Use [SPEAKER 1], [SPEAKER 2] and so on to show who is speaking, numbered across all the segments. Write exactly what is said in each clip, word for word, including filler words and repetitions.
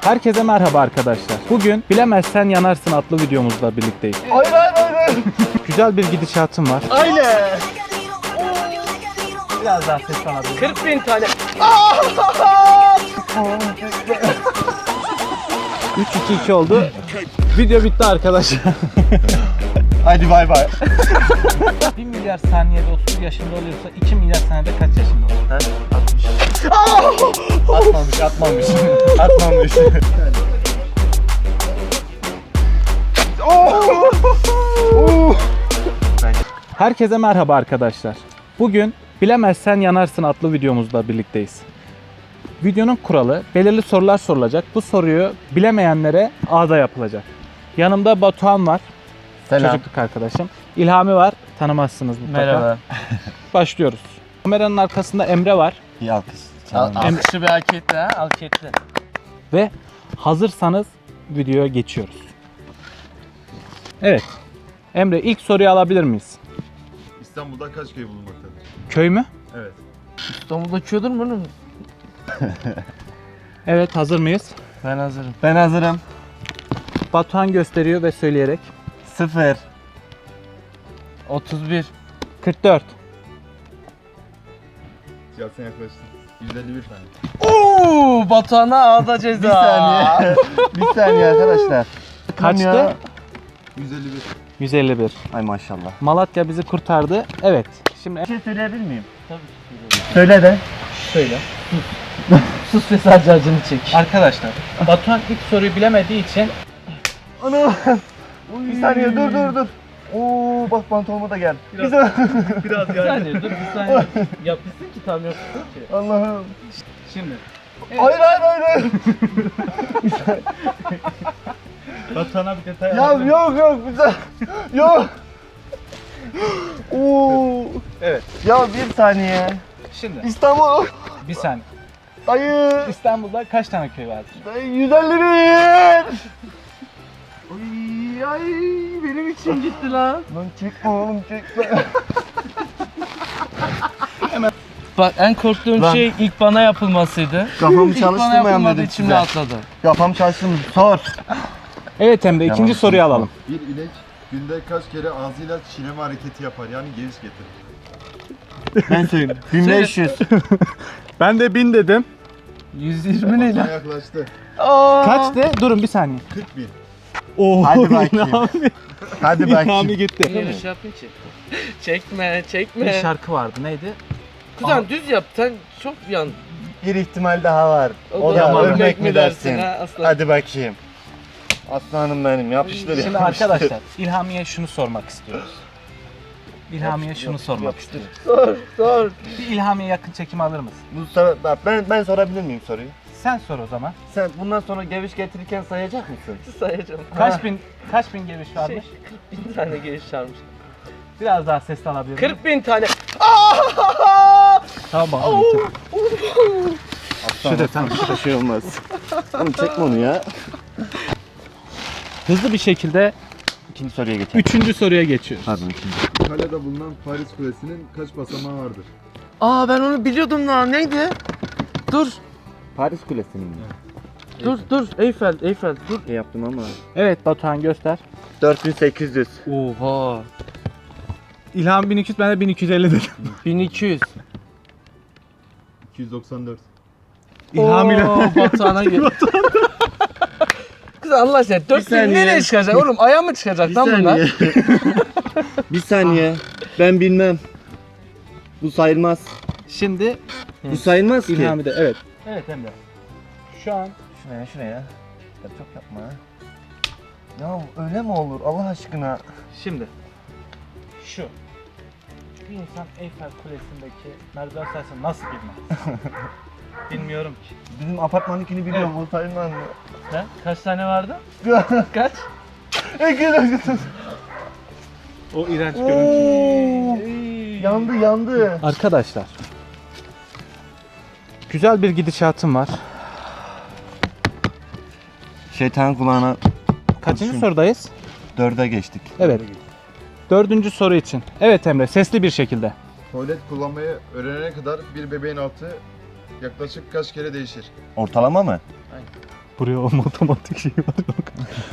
[SPEAKER 1] Herkese merhaba arkadaşlar. Bugün Bilemezsen Yanarsın adlı videomuzla birlikteyiz.
[SPEAKER 2] Hayır hayır hayır hayır.
[SPEAKER 1] Güzel bir gidişatım var.
[SPEAKER 2] Aynen.
[SPEAKER 1] Biraz daha ses alabilirim.
[SPEAKER 2] kırk bin tane.
[SPEAKER 1] üç iki iki oldu. Video bitti arkadaşlar.
[SPEAKER 2] Hadi bay bay.
[SPEAKER 1] bir milyar saniyede otuz yaşında oluyorsa iki milyar saniyede kaç yaşında olur?
[SPEAKER 2] Ha? atmış. Atmamış atmamış. Atmamış.
[SPEAKER 1] Herkese merhaba arkadaşlar. Bugün Bilemezsen Yanarsın adlı videomuzla birlikteyiz. Videonun kuralı belirli sorular sorulacak. Bu soruyu bilemeyenlere ağda yapılacak. Yanımda Batuhan var.
[SPEAKER 2] Selam.
[SPEAKER 1] Çocukluk arkadaşım. İlhami var. Tanımazsınız mutlaka.
[SPEAKER 2] Merhaba.
[SPEAKER 1] Başlıyoruz. Kameranın arkasında Emre var.
[SPEAKER 2] İyi alkış.
[SPEAKER 1] Al-
[SPEAKER 2] Alkışı bir hak etti ha. Hak etti.
[SPEAKER 1] Ve hazırsanız videoya geçiyoruz. Evet. Emre ilk soruyu alabilir miyiz?
[SPEAKER 3] İstanbul'da kaç köy bulunmaktadır?
[SPEAKER 1] Köy mü?
[SPEAKER 3] Evet.
[SPEAKER 2] İstanbul'da köydür mü oğlum?
[SPEAKER 1] Evet, hazır mıyız?
[SPEAKER 2] Ben hazırım. Ben hazırım.
[SPEAKER 1] Batuhan gösteriyor ve söyleyerek.
[SPEAKER 2] Sıfır. otuz bir.
[SPEAKER 1] kırk dört.
[SPEAKER 3] Ya sen yaklaştın. yüz elli bir tane.
[SPEAKER 2] Oo, Batuhan'a ağda ceza.
[SPEAKER 4] Bir saniye. Bir saniye arkadaşlar.
[SPEAKER 1] Kaçtı?
[SPEAKER 4] Ya.
[SPEAKER 3] yüz elli bir.
[SPEAKER 1] yüz elli bir.
[SPEAKER 4] Ay maşallah.
[SPEAKER 1] Malatya bizi kurtardı. Evet. Şimdi
[SPEAKER 4] Bir şey söyleyebilir miyim?
[SPEAKER 2] Tabii
[SPEAKER 4] Söyle de.
[SPEAKER 1] söyle.
[SPEAKER 2] Sus ve sadece acını çek.
[SPEAKER 1] Arkadaşlar, Batuhan ilk soruyu bilemediği için
[SPEAKER 4] Ana. Bir saniye dur dur dur. Oo bak pantolonuma da gel.
[SPEAKER 3] Biraz-
[SPEAKER 4] Güzel.
[SPEAKER 3] Biraz
[SPEAKER 2] Bir
[SPEAKER 3] yani.
[SPEAKER 2] saniye dur bir saniye. Yapmışsın ki tam yapmışsın ki.
[SPEAKER 4] Allah'ım.
[SPEAKER 1] şimdi
[SPEAKER 4] Hayır hayır hayır hayır.
[SPEAKER 1] Batuhan'a bir detay
[SPEAKER 4] Ya yok yok güzel. Yok. Oo.
[SPEAKER 1] Evet.
[SPEAKER 4] Ya bir saniye.
[SPEAKER 1] Şimdi
[SPEAKER 4] İstanbul.
[SPEAKER 1] bir saniye.
[SPEAKER 4] Dayı.
[SPEAKER 1] İstanbul'da kaç tane köy vardır?
[SPEAKER 4] Dayı yüz elli bir. Ay ay benim için
[SPEAKER 2] Gitti lan.
[SPEAKER 4] Lan çekme oğlum çekme.
[SPEAKER 2] Bak en korktuğum
[SPEAKER 4] Lan.
[SPEAKER 2] şey ilk bana yapılmasıydı.
[SPEAKER 4] Kafamı
[SPEAKER 2] İlk bana
[SPEAKER 4] çalıştırmayan
[SPEAKER 2] yapılmadı
[SPEAKER 4] dedim
[SPEAKER 2] içimde
[SPEAKER 4] size.
[SPEAKER 2] atladı.
[SPEAKER 4] Kafam çalıştırmış. Sor.
[SPEAKER 1] Evet Emre, ikinci
[SPEAKER 4] Yalan
[SPEAKER 1] soruyu alalım.
[SPEAKER 3] Bir inek günde kaç kere ağzıyla çiğneme hareketi yapar? Yani geviş getirir.
[SPEAKER 4] Ben söyleyeyim. bin beş yüz.
[SPEAKER 1] Ben de bin dedim.
[SPEAKER 2] yüz yirmi ne
[SPEAKER 3] Batuhan
[SPEAKER 2] lan?
[SPEAKER 3] yaklaştı.
[SPEAKER 1] Kaçtı? Durun bir saniye.
[SPEAKER 3] kırk bin.
[SPEAKER 1] Oo,
[SPEAKER 4] Hadi bakayım.
[SPEAKER 1] İlhami,
[SPEAKER 4] Hadi
[SPEAKER 1] İlhami
[SPEAKER 4] bakayım.
[SPEAKER 1] gitti.
[SPEAKER 2] Yine şey yapayım ki. Çekme
[SPEAKER 1] Bir
[SPEAKER 2] çekme.
[SPEAKER 1] şarkı vardı, neydi?
[SPEAKER 2] Kuzen düz yap sen çok yan.
[SPEAKER 4] Bir ihtimal daha var. O,
[SPEAKER 2] O
[SPEAKER 4] da
[SPEAKER 2] da
[SPEAKER 4] ölmek mi dersin?
[SPEAKER 2] ha, aslan.
[SPEAKER 4] Hadi bakayım. Aslanım benim yapıştır
[SPEAKER 1] Şimdi
[SPEAKER 4] yapıştır.
[SPEAKER 1] arkadaşlar, İlhami'ye şunu sormak istiyoruz. İlhami'ye şunu sormak
[SPEAKER 4] yapıştır.
[SPEAKER 1] istiyoruz.
[SPEAKER 2] Sor sor.
[SPEAKER 1] Bir İlhami'ye yakın çekim alır mısın?
[SPEAKER 4] Bu sefer, bak ben ben sorabilir miyim soruyu?
[SPEAKER 1] Sen sor o zaman.
[SPEAKER 4] Sen bundan sonra geviş getirirken sayacak mısın?
[SPEAKER 2] Sayacağım.
[SPEAKER 1] Kaç bin kaç bin geliş
[SPEAKER 2] Şey,
[SPEAKER 1] varmış?
[SPEAKER 2] kırk bin tane geliş çağırmış.
[SPEAKER 1] Biraz daha ses alabilir miyim?
[SPEAKER 2] kırk bin tane.
[SPEAKER 1] Tamam.
[SPEAKER 4] Şurada tam şurada şey olmaz. Oğlum çekme onu ya.
[SPEAKER 1] Hızlı bir şekilde
[SPEAKER 4] İkinci soruya geçelim.
[SPEAKER 1] üçüncü soruya geçiyoruz.
[SPEAKER 4] Pardon ikinci.
[SPEAKER 3] İtalya'da bulunan Paris Kulesi'nin kaç basamağı vardır?
[SPEAKER 2] Aa ben onu biliyordum lan. Neydi? Dur.
[SPEAKER 4] Paris Kulesi'nin mi?
[SPEAKER 2] Dur dur. Eyfel, Eyfel. Dur.
[SPEAKER 4] Ne yaptım ama.
[SPEAKER 1] Evet Batuhan göster.
[SPEAKER 4] dört bin sekiz yüz.
[SPEAKER 2] Oha.
[SPEAKER 1] İlham bin iki yüz, ben de bin iki yüz elli dedim.
[SPEAKER 2] bin iki yüz.
[SPEAKER 3] iki yüz doksan dört.
[SPEAKER 1] İlham ile.
[SPEAKER 2] Oo, Batuhan'a gel. Kız Allah aşkına dört bin
[SPEAKER 4] saniye.
[SPEAKER 2] nereye çıkacak oğlum? Aya mı çıkacak
[SPEAKER 4] Bir
[SPEAKER 2] lan bunlar?
[SPEAKER 4] saniye. Bir saniye. Ben bilmem. Bu sayılmaz.
[SPEAKER 1] Şimdi
[SPEAKER 4] Bu sayılmaz ki.
[SPEAKER 1] İlhami de evet. Evet Emre. Şu an
[SPEAKER 4] Şuraya şuraya. Ya çok yapma. Ya öyle mi olur Allah aşkına?
[SPEAKER 1] şimdi şu bir insan Eyfel Kulesi'ndeki merdiven sayesinde nasıl bilmez? Bilmiyorum ki.
[SPEAKER 4] Bizim apartmanınkini biliyorum o sayılmaz mı?
[SPEAKER 2] Sen kaç tane vardı? Kaç?
[SPEAKER 1] O iğrenç
[SPEAKER 4] Oo,
[SPEAKER 1] görüntü.
[SPEAKER 4] yandı yandı.
[SPEAKER 1] Arkadaşlar, güzel bir gidişatım var.
[SPEAKER 4] Şeytan kulağına
[SPEAKER 1] Kaçıncı
[SPEAKER 4] Düşün.
[SPEAKER 1] sorudayız?
[SPEAKER 4] dörde geçtik.
[SPEAKER 1] Evet. Dördüncü soru için. Evet Emre, sesli bir şekilde.
[SPEAKER 3] Tuvalet kullanmayı öğrenene kadar bir bebeğin altı yaklaşık kaç kere değişir?
[SPEAKER 4] Ortalama mı?
[SPEAKER 1] Buraya o matematik şeyi var. Yok.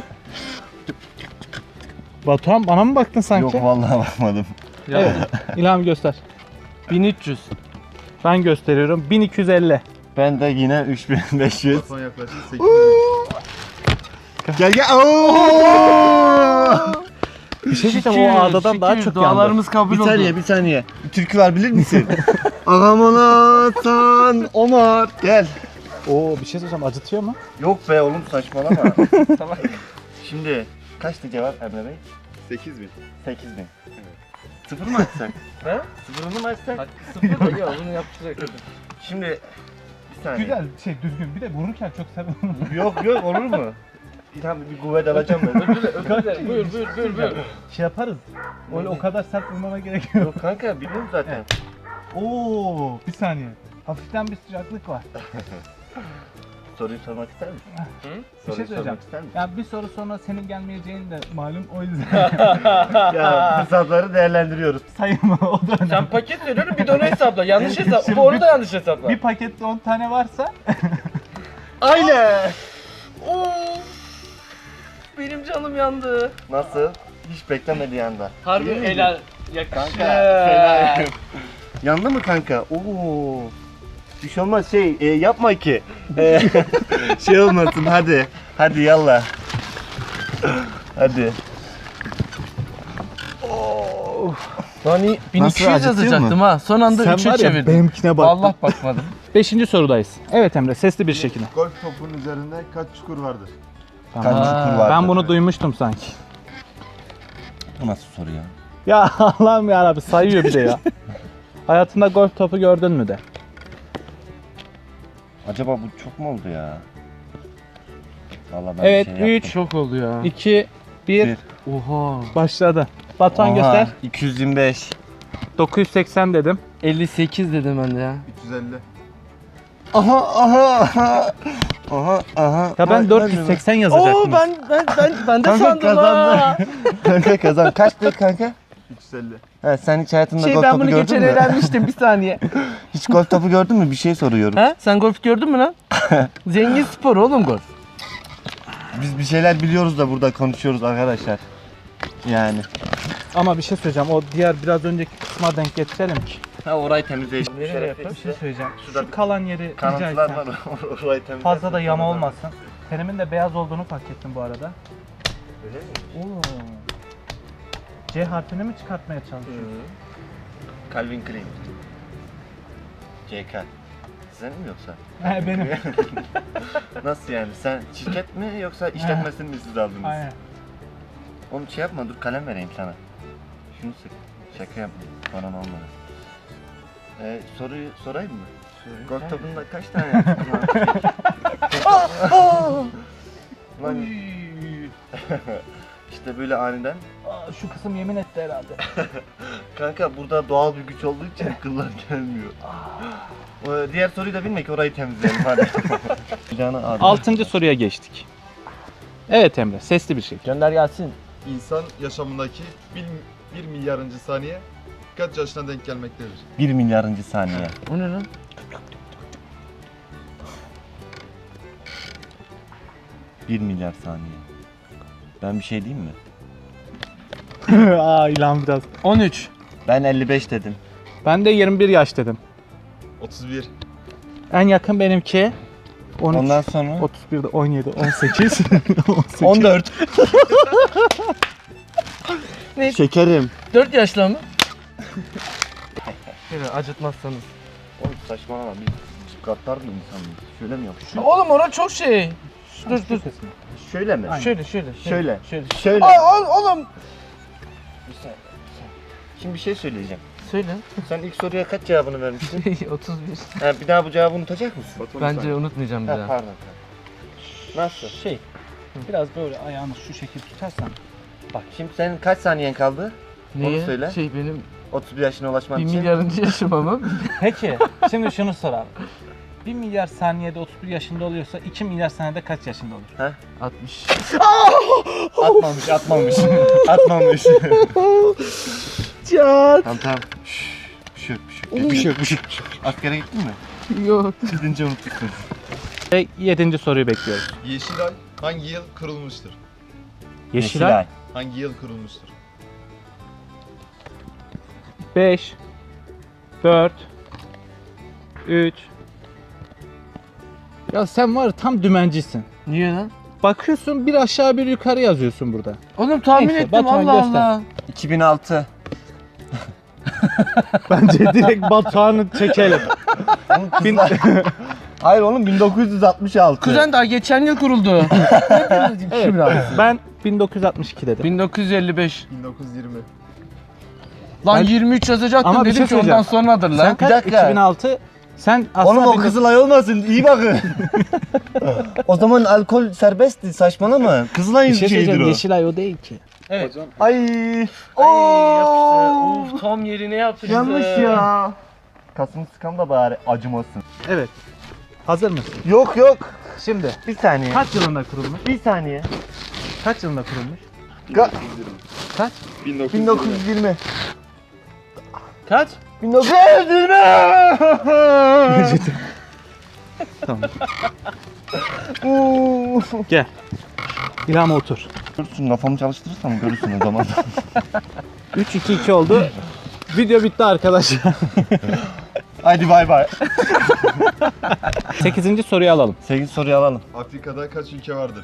[SPEAKER 1] Batuhan bana mı baktın sanki?
[SPEAKER 4] Yok vallahi bakmadım.
[SPEAKER 1] Evet. İlham göster.
[SPEAKER 2] bin üç yüz.
[SPEAKER 1] Ben gösteriyorum. bin iki yüz elli.
[SPEAKER 4] Ben de yine üç bin beş yüz.
[SPEAKER 3] Son yaklaşık sekiz bin.
[SPEAKER 4] Gel gel. Oo!
[SPEAKER 1] Bir şey diyeceğim, o adadan daha çok yandı.
[SPEAKER 2] Dualarımız kabul
[SPEAKER 4] Bir
[SPEAKER 2] oldu.
[SPEAKER 4] saniye bir saniye. Bir türkü var bilir misin? Ağam Hasan Omar. Gel.
[SPEAKER 1] Oo, bir şey söyleyeceğim, acıtıyor mu?
[SPEAKER 4] Yok be oğlum saçmalama. Tamam. Şimdi kaçtı cevap Emre Bey?
[SPEAKER 3] sekiz bin.
[SPEAKER 4] sekiz bin. Sıfır mı açsak?
[SPEAKER 2] He?
[SPEAKER 4] Sıfırını mı açsak?
[SPEAKER 2] Hakkı sıfır da ya bunu yapacak.
[SPEAKER 4] Şimdi bir saniye.
[SPEAKER 1] Güzel, şey düzgün. Bir de vururken çok seviyorum.
[SPEAKER 4] Yok yok olur mu? Tamam bir kuvvet alacağım ben.
[SPEAKER 2] Özür dilerim. Buyur buyur buyur buyur.
[SPEAKER 1] Şey yaparız. Öyle o kadar sert vurmama gerek yok.
[SPEAKER 4] Yok kanka biliyorum zaten.
[SPEAKER 1] Oo, bir saniye. Hafiften bir sıcaklık var.
[SPEAKER 4] Soruyu sormak ister misin?
[SPEAKER 2] Hı?
[SPEAKER 1] Bir
[SPEAKER 4] Soruyu
[SPEAKER 1] şey söyleyeceğim.
[SPEAKER 4] sormak ister misin?
[SPEAKER 1] Ya bir soru sonra senin gelmeyeceğin de malum, o yüzden
[SPEAKER 4] Ya fırsatları değerlendiriyoruz.
[SPEAKER 1] sayma, o da önemli.
[SPEAKER 2] Sen paket veriyorum bir de onu hesapla. Yanlış hesap.
[SPEAKER 1] Şimdi
[SPEAKER 2] Bu onu
[SPEAKER 1] bir-
[SPEAKER 2] da yanlış hesapla.
[SPEAKER 1] Bir pakette on tane varsa
[SPEAKER 4] Aynen.
[SPEAKER 2] Oo. Benim canım yandı.
[SPEAKER 4] Nasıl? Hiç beklemediği anda.
[SPEAKER 2] Harbi
[SPEAKER 4] Değil mi?
[SPEAKER 2] helal. Yakışır.
[SPEAKER 4] Kanka fena. Yandı mı kanka? Oo. Bir şey olmaz şey e, yapma ki. E, şey olmasın hadi. Hadi yallah. Hadi.
[SPEAKER 2] Lan iyi, bin iki yüz
[SPEAKER 4] acıtıyor
[SPEAKER 2] yazacaktım
[SPEAKER 4] mu?
[SPEAKER 2] ha. Son anda üçe çevirdim.
[SPEAKER 1] benimkine
[SPEAKER 2] Vallahi bakmadım.
[SPEAKER 1] Beşinci sorudayız. Evet Emre, sesli bir şekilde.
[SPEAKER 3] Golf topunun üzerinde kaç çukur vardır?
[SPEAKER 4] Kaç
[SPEAKER 1] Tamam.
[SPEAKER 4] çukur vardı?
[SPEAKER 1] Ben bunu duymuştum sanki.
[SPEAKER 4] Bu nasıl soru ya?
[SPEAKER 1] Ya Allah'ım yarabbim, sayıyor bir de ya. Hayatında golf topu gördün mü de?
[SPEAKER 4] Acaba bu çok mu oldu ya? Vallahi ben
[SPEAKER 1] Evet,
[SPEAKER 4] bir şey
[SPEAKER 1] üç,
[SPEAKER 2] Çok oldu ya.
[SPEAKER 1] iki, bir,
[SPEAKER 4] Bir.
[SPEAKER 2] Oha.
[SPEAKER 1] başladı. Batuhan
[SPEAKER 4] Oha,
[SPEAKER 1] göster.
[SPEAKER 4] iki yüz yirmi beş.
[SPEAKER 1] dokuz yüz seksen dedim.
[SPEAKER 2] elli sekiz dedim ben de ya.
[SPEAKER 3] üç yüz elli.
[SPEAKER 4] Aha aha aha. Aha aha.
[SPEAKER 1] Ya ben dört yüz seksen yazacaktım.
[SPEAKER 2] Oo ben ben ben ben de
[SPEAKER 4] Kanka
[SPEAKER 2] sandım
[SPEAKER 4] kazandı.
[SPEAKER 2] ha.
[SPEAKER 4] Kanka kazan. Kaçtı kanka?
[SPEAKER 3] üç yüz elli.
[SPEAKER 4] He, sen hiç hayatında
[SPEAKER 2] Şey
[SPEAKER 4] golf
[SPEAKER 2] ben
[SPEAKER 4] topu
[SPEAKER 2] bunu
[SPEAKER 4] gördün
[SPEAKER 2] geçen
[SPEAKER 4] mü?
[SPEAKER 2] eğlenmiştim bir saniye.
[SPEAKER 4] Hiç golf topu gördün mü? Bir şey soruyorum.
[SPEAKER 2] Ha? Sen golf gördün mü lan? Zengin spor oğlum golf.
[SPEAKER 4] Biz bir şeyler biliyoruz da burada konuşuyoruz arkadaşlar. Yani.
[SPEAKER 1] Ama bir şey söyleyeceğim. O diğer biraz önceki kısma denk getirelim ki.
[SPEAKER 4] Ha orayı temizleyelim.
[SPEAKER 2] Nereye yapalım?
[SPEAKER 1] Bir şey söyleyeceğim.
[SPEAKER 4] Şurada
[SPEAKER 1] Şu kalan yeri rica
[SPEAKER 4] kanatlar
[SPEAKER 1] etsem.
[SPEAKER 4] var. Orayı temizle.
[SPEAKER 1] Fazla da yama olmasın. Tenimin de beyaz olduğunu fark ettim bu arada.
[SPEAKER 4] Öyle mi?
[SPEAKER 1] Oo. C harfini mi çıkartmaya çalışıyorsun?
[SPEAKER 4] Calvin Klein. C K. Senin mi yoksa?
[SPEAKER 1] He benim.
[SPEAKER 4] Nasıl yani? Sen şirket mi yoksa işletmesini mi siz aldınız?
[SPEAKER 1] Aynen.
[SPEAKER 4] Oğlum şey yapma dur kalem vereyim sana. Şunu sık. Şaka yapma. Bana olmadı. Ee, soruyu sorayım mı? Golf topunda kaç tane yaptın lan? Lan işte böyle aniden.
[SPEAKER 1] Aa, şu kısım yemin etti herhalde.
[SPEAKER 4] Kanka burada doğal bir güç olduğu için kıllar gelmiyor. O, diğer soruyu da bilme ki orayı temizleyelim hadi. Canı ağrıyor.
[SPEAKER 1] Altıncı soruya geçtik. Evet Emre, sesli bir şey.
[SPEAKER 2] Gönder gelsin.
[SPEAKER 3] İnsan yaşamındaki bir, bir milyarıncı saniye kaç yaşına denk gelmektedir?
[SPEAKER 4] Bir milyarıncı saniye.
[SPEAKER 2] O ne lan?
[SPEAKER 4] Bir milyar saniye. Ben bir şey diyeyim mi?
[SPEAKER 1] Aa ilan biraz.
[SPEAKER 2] on üç.
[SPEAKER 4] Ben elli beş dedim.
[SPEAKER 1] Ben de yirmi bir yaş dedim.
[SPEAKER 3] otuz bir.
[SPEAKER 1] En yakın benimki. on üç,
[SPEAKER 4] Ondan sonra
[SPEAKER 1] otuz bir de on yedi, on sekiz. on sekiz.
[SPEAKER 4] on dört.
[SPEAKER 2] Ne?
[SPEAKER 4] Şekerim.
[SPEAKER 2] dört yaşlı mı? Şöyle acıtmazsanız.
[SPEAKER 4] Oğlum saçmalama biz gaddar mı insanız? Şöyle mi yapıyorsun?
[SPEAKER 2] Oğlum orası çok şey. Dur dur.
[SPEAKER 4] Şöyle mi?
[SPEAKER 1] Aynen.
[SPEAKER 2] Şöyle şöyle.
[SPEAKER 4] Şöyle.
[SPEAKER 2] Şöyle.
[SPEAKER 4] Şöyle.
[SPEAKER 2] Ay, ay, oğlum.
[SPEAKER 4] Bir saniye, bir saniye. Şimdi bir şey söyleyeceğim.
[SPEAKER 2] Söyle.
[SPEAKER 4] Sen ilk soruya kaç cevabını vermiştin?
[SPEAKER 2] otuz bir.
[SPEAKER 4] Ha, bir daha bu cevabı unutacak mısın?
[SPEAKER 3] Batuhan
[SPEAKER 2] Bence
[SPEAKER 3] saniye.
[SPEAKER 2] unutmayacağım bir
[SPEAKER 4] Ha,
[SPEAKER 2] daha.
[SPEAKER 4] pardon. Nasıl?
[SPEAKER 1] Şey, biraz böyle ayağını şu şekil tutarsan.
[SPEAKER 4] Bak şimdi senin kaç saniyen kaldı?
[SPEAKER 2] Niye?
[SPEAKER 4] söyle.
[SPEAKER 2] Şey benim
[SPEAKER 4] otuz bir yaşına ulaşman
[SPEAKER 2] bir
[SPEAKER 4] için.
[SPEAKER 2] milyarıncı yaşım ama.
[SPEAKER 1] Peki, şimdi şunu soralım. bir milyar saniyede otuz bir yaşında oluyorsa iki milyar saniyede kaç yaşında olur?
[SPEAKER 2] altmış.
[SPEAKER 4] Atmamış, atmamış. atmamış.
[SPEAKER 2] Can.
[SPEAKER 4] Tamam tamam. Şşş, bir şey yok, bir şey yok. Bir şey yok, bir şey yok. Askere gittin mi?
[SPEAKER 2] Yok.
[SPEAKER 4] Gidince unutmuşsun.
[SPEAKER 1] Ve yedinci soruyu bekliyoruz.
[SPEAKER 3] Yeşilay hangi yıl kurulmuştur?
[SPEAKER 1] Yeşilay.
[SPEAKER 3] Hangi yıl kurulmuştur?
[SPEAKER 1] beş, dört, üç. Ya sen var ya, tam dümencisin.
[SPEAKER 2] Niye lan?
[SPEAKER 1] Bakıyorsun bir aşağı bir yukarı yazıyorsun burada.
[SPEAKER 2] Oğlum tahmin
[SPEAKER 1] Neyse,
[SPEAKER 2] ettim
[SPEAKER 1] Batuhan
[SPEAKER 2] Allah
[SPEAKER 1] göster.
[SPEAKER 2] Allah.
[SPEAKER 4] iki bin altı.
[SPEAKER 1] Bence direkt Batuhan'ı çekelim.
[SPEAKER 4] Oğlum kızlar... Hayır oğlum bin dokuz yüz altmış altı.
[SPEAKER 2] Kuzen daha geçen yıl kuruldu.
[SPEAKER 1] Evet, ben bin dokuz yüz altmış iki dedim.
[SPEAKER 2] bin dokuz yüz elli beş.
[SPEAKER 3] bin dokuz yüz yirmi.
[SPEAKER 2] Lan
[SPEAKER 1] Ben-
[SPEAKER 2] yirmi üç yazacaktım
[SPEAKER 1] Ama bir
[SPEAKER 2] dedim
[SPEAKER 1] şey
[SPEAKER 2] ki ondan
[SPEAKER 1] söyleyeceğim.
[SPEAKER 2] sonradır lan.
[SPEAKER 1] Sen kaç?
[SPEAKER 4] dakika.
[SPEAKER 1] iki bin altı. Sen aslında
[SPEAKER 4] Oğlum o
[SPEAKER 1] bin dokuz-
[SPEAKER 4] Kızılay olmasın, iyi bakın. O zaman alkol serbestti, saçmalama. Kızılay'ın
[SPEAKER 1] bir şey
[SPEAKER 4] şeyidir
[SPEAKER 1] söyleyeceğim.
[SPEAKER 4] o.
[SPEAKER 1] Yeşilay o değil ki. Evet.
[SPEAKER 4] Ay.
[SPEAKER 2] Ay,
[SPEAKER 4] Oo.
[SPEAKER 2] yapıştı. Of tam yerine yaptı bize.
[SPEAKER 4] Yanlış ya. Kasım sıkam da bari acımasın.
[SPEAKER 1] Evet. Hazır mısın?
[SPEAKER 4] Yok yok.
[SPEAKER 1] Şimdi
[SPEAKER 4] Bir saniye.
[SPEAKER 1] kaç yılında kurulmuş?
[SPEAKER 4] Bir saniye.
[SPEAKER 1] Kaç yılında kurulmuş?
[SPEAKER 4] Ga-
[SPEAKER 1] Kaç?
[SPEAKER 3] bin dokuz yüz
[SPEAKER 4] bin dokuz yüz yirmi.
[SPEAKER 2] Kaç?
[SPEAKER 4] bin dokuz yüz yirmi.
[SPEAKER 1] Tamam.
[SPEAKER 4] Oo.
[SPEAKER 1] Gel. İlham otur.
[SPEAKER 4] Görürsün, kafamı çalıştırırsam görürsün o zaman.
[SPEAKER 1] üç iki iki oldu. Video bitti arkadaşlar.
[SPEAKER 4] Hadi bay bay.
[SPEAKER 1] sekizinci soruyu alalım.
[SPEAKER 4] sekiz soruyu alalım.
[SPEAKER 3] Afrika'da kaç ülke vardır?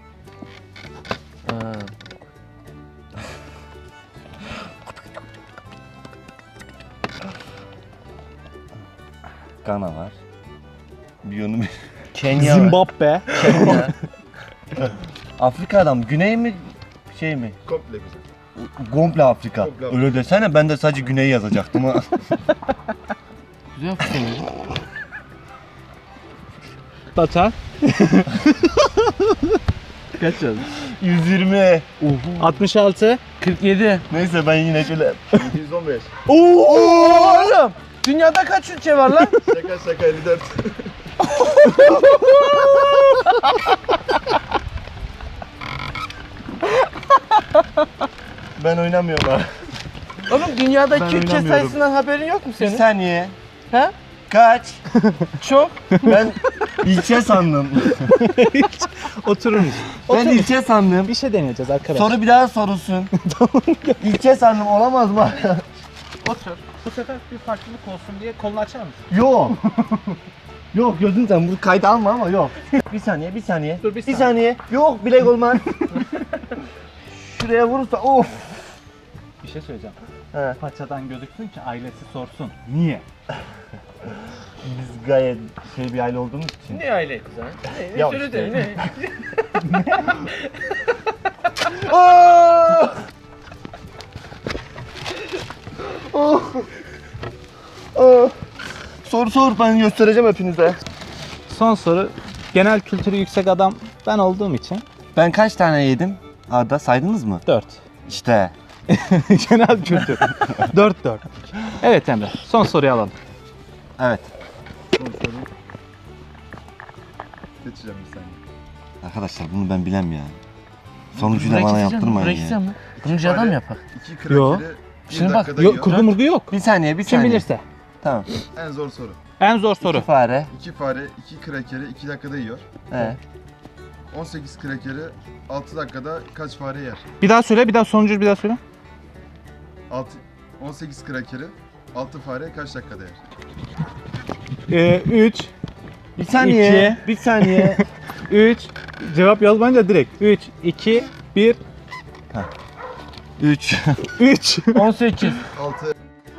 [SPEAKER 4] Gana var. Biyonu Kenya var.
[SPEAKER 1] Zimbabwe.
[SPEAKER 4] Kenya. Afrika'dan güney mi şey mi?
[SPEAKER 3] Komple güzel.
[SPEAKER 4] Komple Afrika.
[SPEAKER 3] Komple Afrika.
[SPEAKER 4] Öyle desene, ben de sadece güney yazacaktım ha.
[SPEAKER 2] Güzel fırsat.
[SPEAKER 1] Batuhan. Kaç yazdın?
[SPEAKER 4] yüz yirmi.
[SPEAKER 1] altmış altı.
[SPEAKER 2] kırk yedi.
[SPEAKER 4] Neyse ben yine şöyle.
[SPEAKER 3] yedi yüz on beş.
[SPEAKER 2] Oğlum dünyada kaç ülke var lan?
[SPEAKER 3] Şaka şaka elli dört.
[SPEAKER 4] Ben oynamıyorum ha.
[SPEAKER 2] Oğlum dünyadaki
[SPEAKER 4] Ben
[SPEAKER 2] ülke
[SPEAKER 4] oynamıyorum.
[SPEAKER 2] sayısından haberin yok mu
[SPEAKER 4] Bir
[SPEAKER 2] senin?
[SPEAKER 4] saniye.
[SPEAKER 2] He?
[SPEAKER 4] Kaç?
[SPEAKER 2] Çok.
[SPEAKER 4] Ben ilçe sandım.
[SPEAKER 1] Oturur musun?
[SPEAKER 4] Ben ilçe sandım.
[SPEAKER 1] Bir şey deneyeceğiz arkadaşlar.
[SPEAKER 4] Soru bir daha sorulsun. İlçe sandım, olamaz mı?
[SPEAKER 1] Otur. Bu sefer bir farklılık olsun diye kolunu açar mısın?
[SPEAKER 4] Yok. Yok gözün sen bunu kayda alma ama yok. Bir saniye, bir saniye.
[SPEAKER 1] Dur, bir
[SPEAKER 4] bir
[SPEAKER 1] saniye.
[SPEAKER 4] saniye. Yok bilek olmaz. Şuraya vurursa of.
[SPEAKER 1] Bir şey söyleyeceğim.
[SPEAKER 4] He.
[SPEAKER 1] Paçadan gözüksün ki ailesi sorsun. Niye?
[SPEAKER 4] Biz gayet şey bir aile olduğumuz için.
[SPEAKER 2] Ne aile kuzen? Ne? Ne
[SPEAKER 4] Ya
[SPEAKER 2] söyle
[SPEAKER 4] işte.
[SPEAKER 2] de ne?
[SPEAKER 4] Oh! Oh! Oh! Sor sor, ben göstereceğim hepinize.
[SPEAKER 1] Son soru. Genel kültürü yüksek adam ben olduğum için
[SPEAKER 4] Ben kaç tane yedim? Arda saydınız mı?
[SPEAKER 1] dört.
[SPEAKER 4] İşte.
[SPEAKER 1] Genel kültür. dört dört. Evet Emre. Son soruyu alalım.
[SPEAKER 4] Evet.
[SPEAKER 3] Son soru. Geçeceğim bir saniye.
[SPEAKER 4] Arkadaşlar bunu ben bilem ya. Sonucu da bana yaptırmayın ya.
[SPEAKER 2] mı? Sunucu adam yapar.
[SPEAKER 3] İki
[SPEAKER 1] Yo.
[SPEAKER 3] krakeri bir
[SPEAKER 2] Şimdi bak,
[SPEAKER 3] dakikada
[SPEAKER 1] Yok,
[SPEAKER 3] yiyor.
[SPEAKER 1] kurgu murgu yok.
[SPEAKER 4] Bir saniye, bir
[SPEAKER 1] Kim
[SPEAKER 4] saniye.
[SPEAKER 1] bilirse.
[SPEAKER 4] Tamam.
[SPEAKER 3] En zor soru.
[SPEAKER 1] En zor soru.
[SPEAKER 4] İki fare.
[SPEAKER 3] İki fare iki krakeri iki dakikada yiyor.
[SPEAKER 4] He.
[SPEAKER 3] on sekiz krakeri altı dakikada kaç fare yer?
[SPEAKER 1] Bir daha söyle, bir daha sonuncu bir daha söyle.
[SPEAKER 3] altı, on sekiz krakeri altı fare kaç dakikada yer?
[SPEAKER 1] Ee, üç,
[SPEAKER 4] Bir saniye.
[SPEAKER 1] İki.
[SPEAKER 4] Bir saniye.
[SPEAKER 1] üç. Cevap yazmayınca direkt. üç, iki, bir,
[SPEAKER 4] Üç.
[SPEAKER 1] üç.
[SPEAKER 2] on sekiz.
[SPEAKER 3] altı.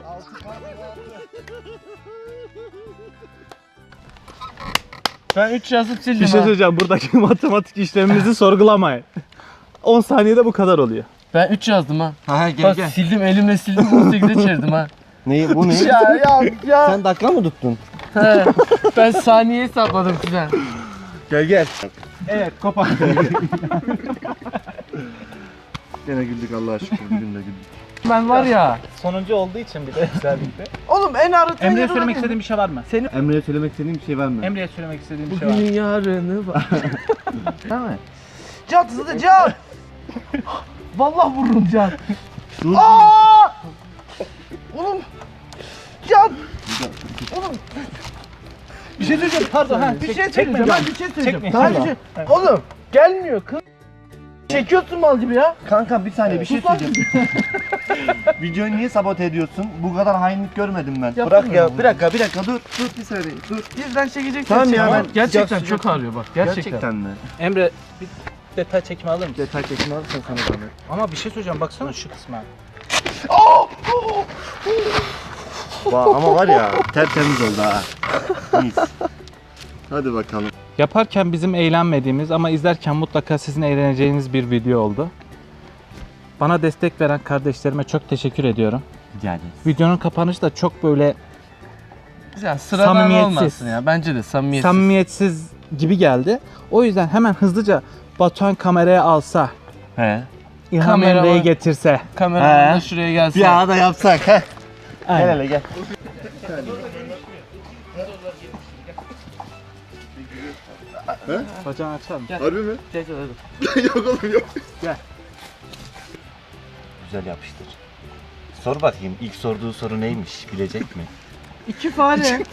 [SPEAKER 2] Ben üç yazıp sildim
[SPEAKER 1] Bir şey
[SPEAKER 2] ha.
[SPEAKER 1] söyleyeceğim. Buradaki matematik işlemimizi sorgulamayın. on saniyede bu kadar oluyor.
[SPEAKER 2] Ben üç yazdım ha.
[SPEAKER 4] Ha gel
[SPEAKER 2] Bak
[SPEAKER 4] gel.
[SPEAKER 2] sildim elimle sildim on sekize çevirdim ha.
[SPEAKER 4] Neyi bu ne?
[SPEAKER 2] ya ya ya.
[SPEAKER 4] Sen dakika mı tuttun?
[SPEAKER 2] He. Ben saniye hesapladım kuzen.
[SPEAKER 4] Gel gel.
[SPEAKER 1] Evet, kapat.
[SPEAKER 4] Gene güldük Allah'a şükür. Bugün de güldük.
[SPEAKER 2] Ben var ya.
[SPEAKER 1] Sonuncu olduğu için bir de özellikle.
[SPEAKER 2] Oğlum en arıtma
[SPEAKER 1] Emre'ye
[SPEAKER 2] yarını
[SPEAKER 1] söylemek
[SPEAKER 2] benim.
[SPEAKER 1] istediğin bir şey var mı?
[SPEAKER 2] Senin
[SPEAKER 4] Emre'ye söylemek istediğim bir şey var mı?
[SPEAKER 1] Emre'ye söylemek istediğin bir şey var mı?
[SPEAKER 2] bugün yarını var. Değil mi? Can hızlı can. Vallahi vururum can.
[SPEAKER 4] Dur.
[SPEAKER 2] Aa! Oğlum. Can. Oğlum.
[SPEAKER 1] Bir şey söyleyeceğim pardon. Ha,
[SPEAKER 2] Bir şey
[SPEAKER 1] çek-
[SPEAKER 2] söyleyeceğim.
[SPEAKER 1] çekme.
[SPEAKER 2] Ben bir şey söyleyeceğim.
[SPEAKER 1] Çekme.
[SPEAKER 2] Ben bir şey... Oğlum gelmiyor kız. Çekiyorsun mal gibi ya.
[SPEAKER 4] Kanka bir saniye bir şey
[SPEAKER 2] Sus lan.
[SPEAKER 4] söyleyeceğim. Videoyu niye sabote ediyorsun? Bu kadar hainlik görmedim ben.
[SPEAKER 2] Yaptın
[SPEAKER 4] Bırak
[SPEAKER 2] mı
[SPEAKER 4] ya.
[SPEAKER 2] bunu?
[SPEAKER 4] Bir dakika bir dakika dur. Dur bir saniye dur.
[SPEAKER 2] Bizden çekecek.
[SPEAKER 4] Tamam ya, ben-
[SPEAKER 2] Gerçekten
[SPEAKER 4] Sıcak-
[SPEAKER 2] çok ağrıyor bak. Gerçekten.
[SPEAKER 4] mi?
[SPEAKER 1] Emre bir detay çekimi alır mısın?
[SPEAKER 4] Detay çekimi alırsan sana zahmet.
[SPEAKER 1] Ama bir şey söyleyeceğim baksana şu kısma.
[SPEAKER 4] Va- Ama var ya tertemiz oldu ha. Mis. Hadi bakalım.
[SPEAKER 1] Yaparken bizim eğlenmediğimiz ama izlerken mutlaka sizin eğleneceğiniz bir video oldu. Bana destek veren kardeşlerime çok teşekkür ediyorum.
[SPEAKER 4] Rica ederiz.
[SPEAKER 1] Videonun kapanışı da çok böyle
[SPEAKER 2] Güzel sıradan
[SPEAKER 1] Samimiyetsiz.
[SPEAKER 2] olmasın ya. Bence de samimiyetsiz.
[SPEAKER 1] samimiyetsiz gibi geldi. O yüzden hemen hızlıca Batuhan kameraya alsa,
[SPEAKER 4] He.
[SPEAKER 1] İlham
[SPEAKER 2] Kamera
[SPEAKER 1] Emre'yi
[SPEAKER 2] var.
[SPEAKER 1] getirse.
[SPEAKER 2] Kameraman
[SPEAKER 4] He.
[SPEAKER 2] da şuraya gelse.
[SPEAKER 4] Bir ara da yapsak he. Gel
[SPEAKER 1] Aynen.
[SPEAKER 4] hele gel.
[SPEAKER 1] Bacağını açar mısın?
[SPEAKER 3] Harbi mi?
[SPEAKER 2] Gel, gel, gel.
[SPEAKER 3] Yok oğlum yok.
[SPEAKER 4] Güzel yapıştır. Sor bakayım ilk sorduğu soru neymiş bilecek mi?
[SPEAKER 2] İki fare.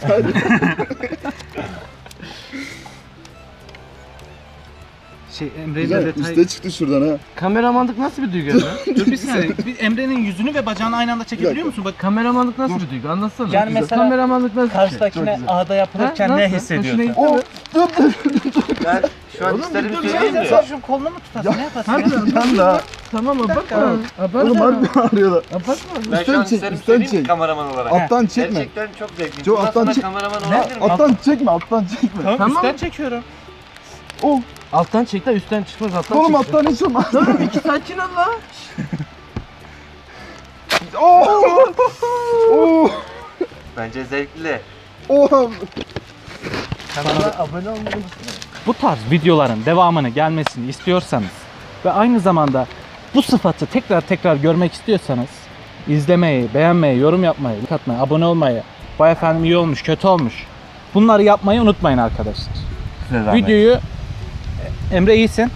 [SPEAKER 1] Şey Emre'yle
[SPEAKER 3] Güzel.
[SPEAKER 1] detay...
[SPEAKER 3] Üste çıktı şuradan ha.
[SPEAKER 2] Kameramanlık nasıl bir duygu ya?
[SPEAKER 1] Dur bir saniye. Bir Emre'nin yüzünü ve bacağını aynı anda çekebiliyor musun? Bak
[SPEAKER 2] Kameramanlık nasıl bir duygu? Anlatsana.
[SPEAKER 1] Yani mesela
[SPEAKER 2] kameramanlık nasıl bir şey?
[SPEAKER 1] karşıdakine ağda yapılırken
[SPEAKER 2] Ha,
[SPEAKER 1] ne
[SPEAKER 2] nasıl?
[SPEAKER 1] hissediyorsun?
[SPEAKER 2] Hoşuna gitti mi?
[SPEAKER 4] Ben şu an isterim söyleyeyim mi?
[SPEAKER 1] Sen şu kolunu mu tutarsın? Ne yaparsın?
[SPEAKER 2] Hadi
[SPEAKER 1] ya?
[SPEAKER 3] Yan da.
[SPEAKER 2] Tamam abartma. Abartma.
[SPEAKER 3] Oğlum harbi ağrıyorlar.
[SPEAKER 2] Abartma.
[SPEAKER 4] Ben şu an
[SPEAKER 3] Üstten çek,
[SPEAKER 4] isterim
[SPEAKER 3] üstten
[SPEAKER 4] söyleyeyim mi
[SPEAKER 3] çek.
[SPEAKER 4] kameraman olarak?
[SPEAKER 3] Alttan çekme.
[SPEAKER 4] Gerçekten çok zevkli.
[SPEAKER 3] Çok
[SPEAKER 4] Bundan
[SPEAKER 3] alttan
[SPEAKER 4] sonra
[SPEAKER 3] çek-
[SPEAKER 4] kameraman
[SPEAKER 1] Ne?
[SPEAKER 4] olabilir mi?
[SPEAKER 3] Alttan çekme, alttan çekme.
[SPEAKER 1] Tamam,
[SPEAKER 2] Tamam.
[SPEAKER 1] üstten çekiyorum.
[SPEAKER 3] Oh,
[SPEAKER 2] Alttan çek de üstten çıkmaz alttan
[SPEAKER 3] oğlum
[SPEAKER 2] çek.
[SPEAKER 3] alttan hiç olmaz.
[SPEAKER 2] Tamam iki sakin ol la.
[SPEAKER 3] Oh! Oh!
[SPEAKER 4] Bence zevkli.
[SPEAKER 3] Oh!
[SPEAKER 2] Kanala abone olmayı unutmayın.
[SPEAKER 1] Bu tarz videoların devamını gelmesini istiyorsanız ve aynı zamanda bu sıfatı tekrar tekrar görmek istiyorsanız izlemeyi, beğenmeyi, yorum yapmayı, like atmayı, abone olmayı, vay efendim iyi olmuş, kötü olmuş. Bunları yapmayı unutmayın arkadaşlar.
[SPEAKER 4] Size zahmet.
[SPEAKER 1] Videoyu Emre iyisin.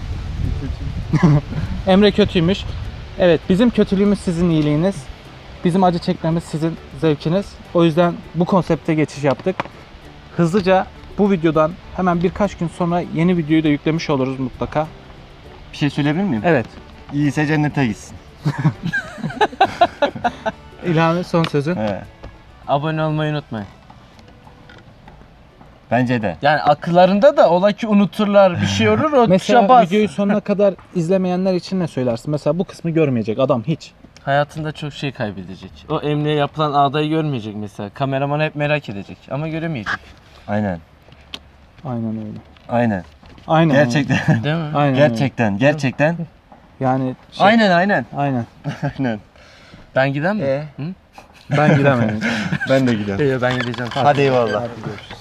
[SPEAKER 1] Emre kötüymüş. Evet, bizim kötülüğümüz sizin iyiliğiniz. Bizim acı çekmemiz sizin zevkiniz. O yüzden bu konsepte geçiş yaptık. Hızlıca bu videodan hemen birkaç gün sonra yeni videoyu da yüklemiş oluruz mutlaka.
[SPEAKER 4] Bir şey söyleyebilir miyim?
[SPEAKER 1] Evet.
[SPEAKER 4] İyiyse cennete gitsin.
[SPEAKER 1] İlhan'ın son sözü.
[SPEAKER 4] He.
[SPEAKER 2] Abone olmayı unutmayın.
[SPEAKER 4] Bence de.
[SPEAKER 2] Yani akıllarında da ola ki unuturlar bir şey olur o tuşa
[SPEAKER 1] Mesela
[SPEAKER 2] bas.
[SPEAKER 1] videoyu sonuna kadar izlemeyenler için ne söylersin? Mesela bu kısmı görmeyecek adam hiç.
[SPEAKER 2] Hayatında çok şey kaybedecek. O Emre'ye yapılan ağdayı görmeyecek mesela. Kameraman hep merak edecek ama göremeyecek.
[SPEAKER 4] Aynen.
[SPEAKER 1] Aynen öyle.
[SPEAKER 4] Aynen.
[SPEAKER 1] Aynen.
[SPEAKER 4] Gerçekten.
[SPEAKER 2] Değil mi?
[SPEAKER 1] Öyle. Aynen öyle.
[SPEAKER 4] Gerçekten. Gerçekten.
[SPEAKER 1] Yani şey,
[SPEAKER 4] Aynen aynen.
[SPEAKER 1] aynen.
[SPEAKER 4] Aynen.
[SPEAKER 2] Ben giden mi?
[SPEAKER 4] Ee?
[SPEAKER 2] Hı?
[SPEAKER 1] Ben gidemedim.
[SPEAKER 3] Ben de giderim.
[SPEAKER 2] Yok ben gideceğim.
[SPEAKER 4] Hadi eyvallah.
[SPEAKER 1] Hadi görüşürüz.